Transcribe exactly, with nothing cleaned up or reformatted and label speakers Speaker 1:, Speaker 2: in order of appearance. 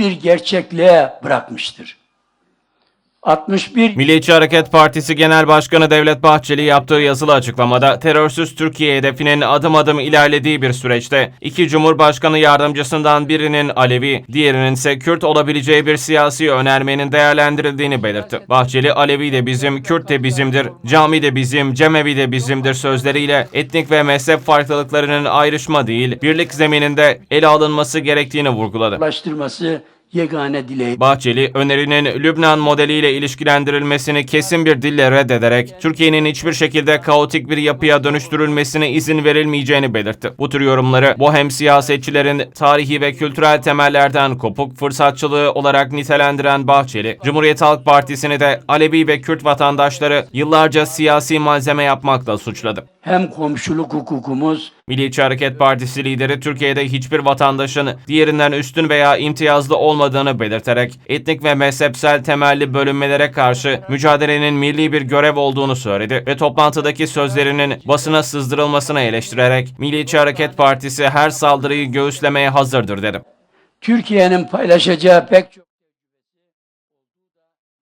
Speaker 1: bir gerçekliğe bırakmıştır. altmış bir
Speaker 2: Milliyetçi Hareket Partisi Genel Başkanı Devlet Bahçeli yaptığı yazılı açıklamada terörsüz Türkiye hedefinin adım adım ilerlediği bir süreçte iki Cumhurbaşkanı yardımcısından birinin Alevi, diğerinin ise Kürt olabileceği bir siyasi önermenin değerlendirildiğini belirtti. Bahçeli, Alevi de bizim, Kürt de bizimdir, cami de bizim, cemevi de bizimdir sözleriyle etnik ve mezhep farklılıklarının ayrışma değil, birlik zemininde ele alınması gerektiğini vurguladı.
Speaker 1: ulaştırması yegane dileği.
Speaker 2: Bahçeli, önerinin Lübnan modeliyle ilişkilendirilmesini kesin bir dille reddederek, Türkiye'nin hiçbir şekilde kaotik bir yapıya dönüştürülmesine izin verilmeyeceğini belirtti. Bu tür yorumları, bu hem siyasetçilerin tarihi ve kültürel temellerden kopuk fırsatçılığı olarak nitelendiren Bahçeli, Cumhuriyet Halk Partisi'ni de Alevi ve Kürt vatandaşları yıllarca siyasi malzeme yapmakla suçladı.
Speaker 1: Hem komşuluk hukukumuz,
Speaker 2: Milliyetçi Hareket Partisi lideri Türkiye'de hiçbir vatandaşın diğerinden üstün veya imtiyazlı olmadığını belirterek etnik ve mezhepsel temelli bölünmelere karşı mücadelenin milli bir görev olduğunu söyledi ve toplantıdaki sözlerinin basına sızdırılmasını eleştirerek Milliyetçi Hareket Partisi her saldırıyı göğüslemeye hazırdır dedi.
Speaker 1: Türkiye'nin paylaşacağı pek çok